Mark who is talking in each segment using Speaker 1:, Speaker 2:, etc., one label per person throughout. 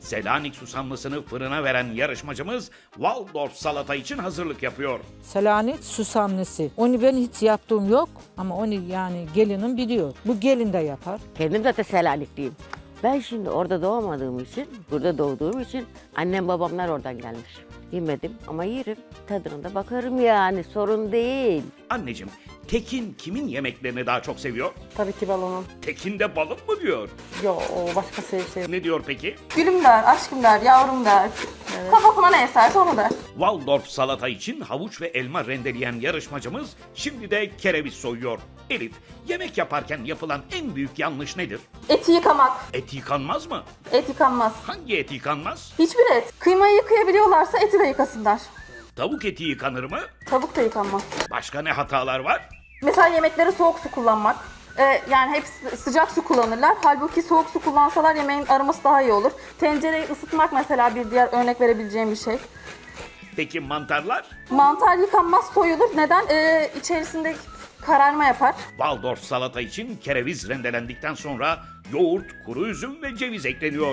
Speaker 1: Selanik susamlısını fırına veren yarışmacımız Waldorf salata için hazırlık yapıyor.
Speaker 2: Selanik susamlısı. Onu ben hiç yaptığım yok ama onu yani gelinim biliyor. Bu gelin de yapar.
Speaker 3: Kendim zaten Selanikliyim. Ben şimdi orada doğmadığım için, burada doğduğum için annem babamlar oradan gelmiş. Yemedim ama yerim. Tadına da bakarım yani, sorun değil.
Speaker 1: Anneciğim, Tekin kimin yemeklerini daha çok seviyor?
Speaker 4: Tabii ki balonum.
Speaker 1: Tekin de balım mı diyor?
Speaker 4: Yo, o başka şey.
Speaker 1: Ne diyor peki?
Speaker 5: Gülüm der, aşkım der, yavrum der. Kafasına ne eserse onu der.
Speaker 1: Waldorf salata için havuç ve elma rendeleyen yarışmacımız şimdi de kereviz soyuyor. Elif, yemek yaparken yapılan en büyük yanlış nedir?
Speaker 5: Eti yıkamak.
Speaker 1: Et yıkanmaz mı?
Speaker 5: Et yıkanmaz.
Speaker 1: Hangi et yıkanmaz?
Speaker 5: Hiçbir et. Kıymayı yıkayabiliyorlarsa eti de yıkasınlar.
Speaker 1: Tavuk eti yıkanır mı?
Speaker 5: Tavuk da yıkanmaz.
Speaker 1: Başka ne hatalar var?
Speaker 5: Mesela yemekleri soğuk su kullanmak. Yani hep sıcak su kullanırlar. Halbuki soğuk su kullansalar yemeğin aroması daha iyi olur. Tencereyi ısıtmak mesela bir diğer örnek verebileceğim bir şey.
Speaker 1: Peki mantarlar?
Speaker 5: Mantar yıkanmaz, soyulur. Neden? İçerisinde kararma yapar.
Speaker 1: Waldorf salata için kereviz rendelendikten sonra yoğurt, kuru üzüm ve ceviz ekleniyor.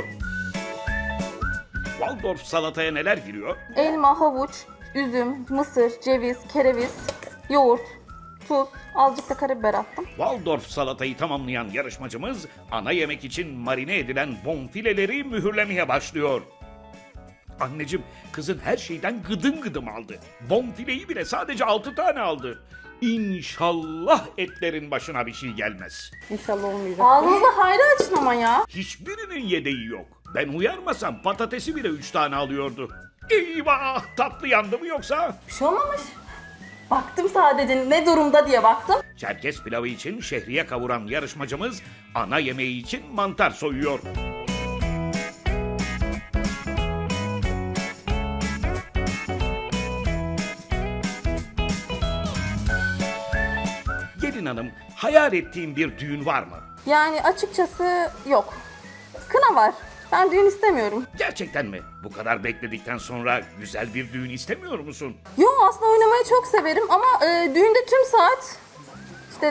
Speaker 1: Waldorf salataya neler giriyor?
Speaker 5: Elma, havuç, üzüm, mısır, ceviz, kereviz, yoğurt, tuz, azıcık da karabiber attım.
Speaker 1: Waldorf salatayı tamamlayan yarışmacımız ana yemek için marine edilen bonfileleri mühürlemeye başlıyor. Anneciğim, kızın her şeyden gıdım gıdım aldı. Bonfileyi bile sadece 6 tane aldı. İnşallah etlerin başına bir şey gelmez.
Speaker 4: İnşallah olmayacak.
Speaker 5: Ağzınızda hayra açın ama ya.
Speaker 1: Hiçbirinin yedeği yok. Ben uyarmasam patatesi bile 3 tane alıyordu. Eyvah, tatlı yandı mı yoksa?
Speaker 5: Bir şey olmamış. Baktım sadece ne durumda diye baktım.
Speaker 1: Çerkez pilavı için şehriye kavuran yarışmacımız ana yemeği için mantar soyuyor. Gelin hanım, hayal ettiğin bir düğün var mı?
Speaker 5: Yani açıkçası yok. Kına var. Ben düğün istemiyorum.
Speaker 1: Gerçekten mi? Bu kadar bekledikten sonra güzel bir düğün istemiyor musun?
Speaker 5: Yo, aslında oynamayı çok severim ama düğünde tüm saat işte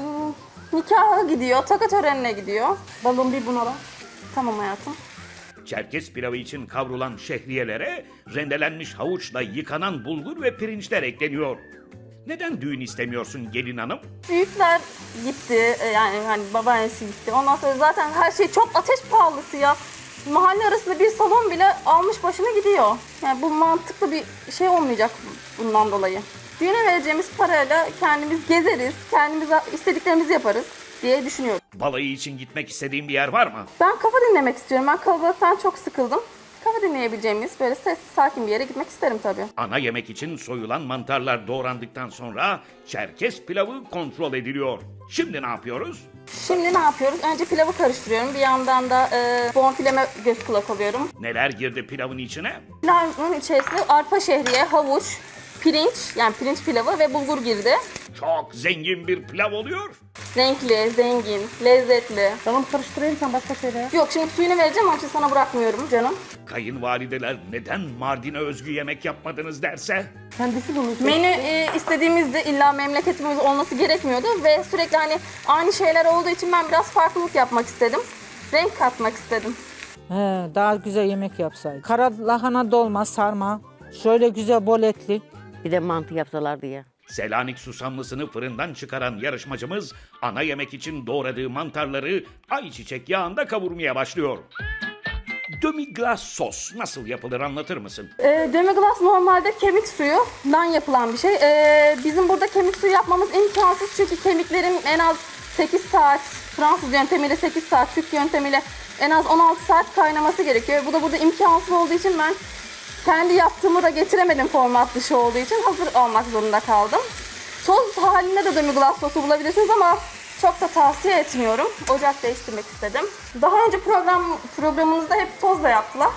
Speaker 5: nikaha gidiyor, taka törenine gidiyor.
Speaker 4: Balon bir bunala.
Speaker 5: Tamam hayatım.
Speaker 1: Çerkez pilavı için kavrulan şehriyelere rendelenmiş havuçla yıkanan bulgur ve pirinçler ekleniyor. Neden düğün istemiyorsun gelin hanım?
Speaker 5: Büyükler gitti, yani hani babaannesi gitti. Ondan sonra zaten her şey çok ateş pahalısı ya. Mahalle arasında bir salon bile almış başını gidiyor. Yani bu mantıklı bir şey olmayacak bundan dolayı. Düğüne vereceğimiz parayla kendimiz gezeriz, kendimiz istediklerimizi yaparız diye düşünüyorum.
Speaker 1: Balayı için gitmek istediğin bir yer var mı?
Speaker 5: Ben kafa dinlemek istiyorum. Ben kalabalıktan çok sıkıldım. Kafa dinleyebileceğimiz böyle sessiz, sakin bir yere gitmek isterim tabii.
Speaker 1: Ana yemek için soyulan mantarlar doğrandıktan sonra Çerkez pilavı kontrol ediliyor. Şimdi ne yapıyoruz?
Speaker 5: Şimdi ne yapıyoruz? Önce pilavı karıştırıyorum. Bir yandan da bonfileme göz kulak oluyorum.
Speaker 1: Neler girdi pilavın içine?
Speaker 5: Pilavın içerisine arpa şehriye, havuç, pirinç, yani pirinç pilavı ve bulgur girdi.
Speaker 1: Çok zengin bir pilav oluyor.
Speaker 5: Renkli, zengin, lezzetli.
Speaker 4: Balon karıştırayım, sen başka söyle ya.
Speaker 5: Yok, şimdi suyunu vereceğim, onun için sana bırakmıyorum canım.
Speaker 1: Kayınvalideler neden Mardin'e özgü yemek yapmadınız derse?
Speaker 4: Kendisi bunu
Speaker 5: Menü istediğimizde illa memleketimiz olması gerekmiyordu ve sürekli hani aynı şeyler olduğu için ben biraz farklılık yapmak istedim. Renk katmak istedim.
Speaker 2: He, daha güzel yemek yapsaydı. Kara lahana dolma, sarma. Şöyle güzel bol etli.
Speaker 3: Bir de mantı yapsalardı ya.
Speaker 1: Selanik susamlısını fırından çıkaran yarışmacımız ana yemek için doğradığı mantarları ayçiçek yağında kavurmaya başlıyor. Demi-glace sos nasıl yapılır anlatır mısın?
Speaker 5: Demi-glace normalde kemik suyundan yapılan bir şey. Bizim burada kemik suyu yapmamız imkansız çünkü kemiklerin en az 8 saat, Fransız yöntemiyle 8 saat, Türk yöntemiyle en az 16 saat kaynaması gerekiyor. Bu da burada imkansız olduğu için ben kendi yaptığımı da getiremedim, format dışı olduğu için hazır almak zorunda kaldım. Toz halinde de demi-glace sosu bulabilirsiniz ama çok da tavsiye etmiyorum. Ocak değiştirmek istedim. Daha önce programımızda hep tozla yaptılar.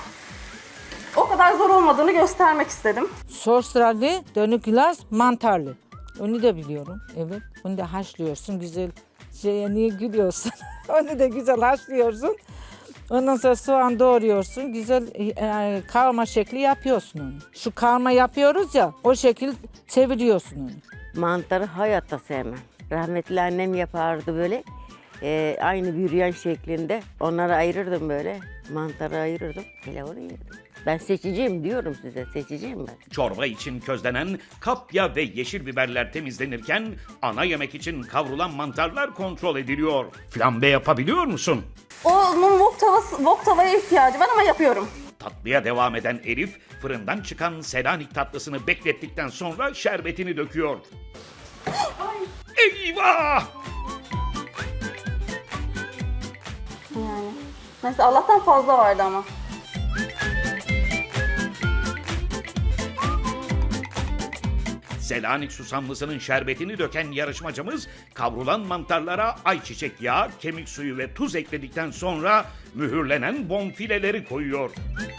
Speaker 5: O kadar zor olmadığını göstermek istedim.
Speaker 2: Soslarlı, dönüklas, mantarlı. Onu da biliyorum. Evet. Onu da haşlıyorsun güzel. Niye gülüyorsun? Onu da güzel haşlıyorsun. Ondan sonra soğan doğruyorsun. Güzel kavurma şekli yapıyorsun onu. Şu kavurma yapıyoruz ya, o şekil çeviriyorsun onu.
Speaker 3: Mantarı hayatta sevmem. Rahmetli annem yapardı böyle. Aynı büryan şeklinde. Onları ayırırdım böyle. Mantarı ayırırdım. Pilavını yerdim. Ben seçiciyim diyorum size. Seçiciyim ben.
Speaker 1: Çorba için közlenen kapya ve yeşil biberler temizlenirken ana yemek için kavrulan mantarlar kontrol ediliyor. Flambe yapabiliyor musun?
Speaker 5: Onun wok tavaya ihtiyacı var ama yapıyorum.
Speaker 1: Tatlıya devam eden Elif, fırından çıkan Selanik tatlısını beklettikten sonra şerbetini döküyor. Eyvah!
Speaker 5: Yani. Neyse Allah'tan fazla vardı ama.
Speaker 1: Selanik susamlısının şerbetini döken yarışmacımız kavrulan mantarlara ayçiçek yağı, kemik suyu ve tuz ekledikten sonra mühürlenen bonfileleri koyuyor.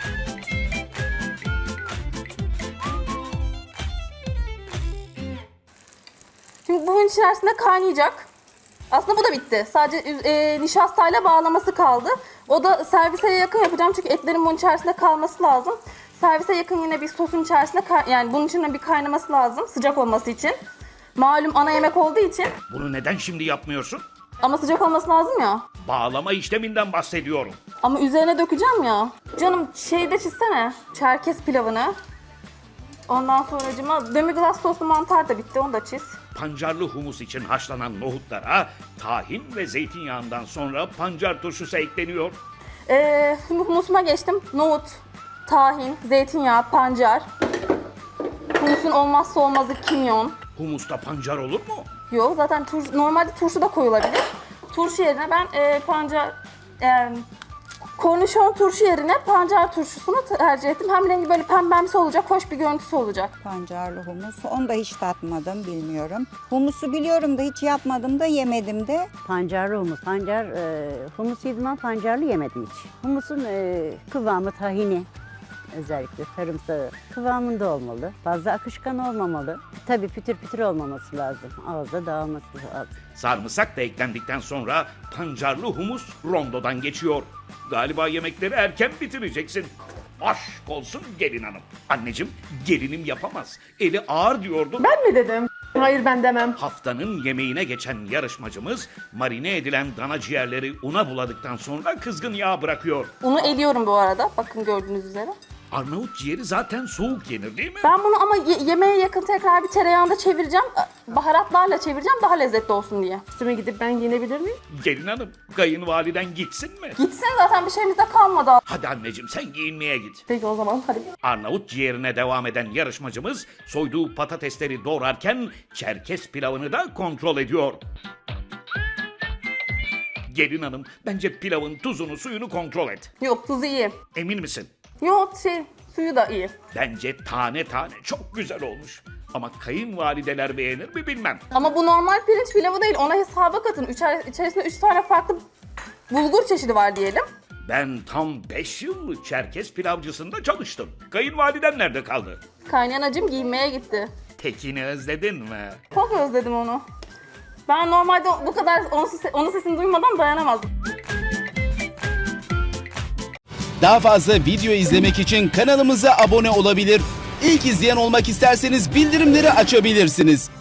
Speaker 5: Şimdi bunun içerisinde kaynayacak. Aslında bu da bitti. Sadece nişastayla bağlaması kaldı. O da servise yakın yapacağım çünkü etlerin bunun içerisinde kalması lazım. Servise yakın yine bir sosun içerisinde yani bunun içinde bir kaynaması lazım sıcak olması için. Malum ana yemek olduğu için
Speaker 1: Bunu neden şimdi yapmıyorsun?
Speaker 5: ama sıcak olması lazım ya.
Speaker 1: Bağlama işleminden bahsediyorum.
Speaker 5: Ama üzerine dökeceğim ya. Canım şeyde çizsene. Çerkez pilavını. Ondan sonracıma demi-glace soslu mantar da bitti. Onu da çiz.
Speaker 1: Pancarlı humus için haşlanan nohutlara tahin ve zeytinyağından sonra pancar turşusu ekleniyor.
Speaker 5: Şimdi humusuma geçtim. Nohut, tahin, zeytinyağı, pancar. Humusun olmazsa olmazı kimyon.
Speaker 1: Humusta pancar olur mu?
Speaker 5: Yok zaten normalde turşu da koyulabilir. Turşu yerine ben kornişon turşu yerine pancar turşusunu tercih ettim. Hem rengi böyle pembemsi olacak, hoş bir görüntüsü olacak.
Speaker 6: Pancarlı humus. Onu da hiç tatmadım, bilmiyorum. Humusu biliyorum da hiç yapmadım da yemedim de.
Speaker 7: Pancarlı humus. Humus yedim ama pancarlı yemedim hiç. Humusun kıvamı tahini. Özellikle sarımsağı kıvamında olmalı. Fazla akışkan olmamalı. Tabii pütür pütür olmaması lazım. Ağızda dağılması lazım.
Speaker 1: Sarımsak da eklendikten sonra pancarlı humus rondodan geçiyor. Galiba yemekleri erken bitireceksin. Aşk olsun gelin hanım. Anneciğim gelinim yapamaz. Eli ağır diyordun.
Speaker 4: Ben mi dedim? Hayır ben demem.
Speaker 1: Haftanın yemeğine geçen yarışmacımız marine edilen dana ciğerleri una buladıktan sonra kızgın yağ bırakıyor.
Speaker 5: Unu eliyorum bu arada. Bakın gördüğünüz üzere.
Speaker 1: Arnavut ciğeri zaten soğuk yenir değil mi?
Speaker 5: Ben bunu ama yemeğe yakın tekrar bir tereyağında çevireceğim. Baharatlarla çevireceğim daha lezzetli olsun diye.
Speaker 4: Üstüme gidip ben giyinebilir miyim?
Speaker 1: Gelin hanım kayınvaliden gitsin mi?
Speaker 5: Gitsin zaten bir şeyimiz de kalmadı.
Speaker 1: Hadi anneciğim sen giyinmeye git.
Speaker 5: Peki o zaman hadi.
Speaker 1: Arnavut ciğerine devam eden yarışmacımız soyduğu patatesleri doğrarken Çerkez pilavını da kontrol ediyor. Gelin hanım bence pilavın tuzunu suyunu kontrol et.
Speaker 5: Yok tuzu iyi.
Speaker 1: Emin misin?
Speaker 5: Yok suyu da iyi.
Speaker 1: Bence tane tane çok güzel olmuş. Ama kayınvalideler beğenir mi bilmem.
Speaker 5: Ama bu normal pirinç pilavı değil. Ona hesaba katın. İçerisinde 3 tane farklı bulgur çeşidi var diyelim.
Speaker 1: Ben tam 5 yıl Çerkez pilavcısında çalıştım. Kayınvaliden nerede kaldı?
Speaker 5: Kaynayanacım giyinmeye gitti.
Speaker 1: Tekini özledin mi?
Speaker 5: Çok özledim onu. Ben normalde bu kadar onun sesini duymadan dayanamazdım.
Speaker 8: Daha fazla video izlemek için kanalımıza abone olabilir. İlk izleyen olmak isterseniz bildirimleri açabilirsiniz.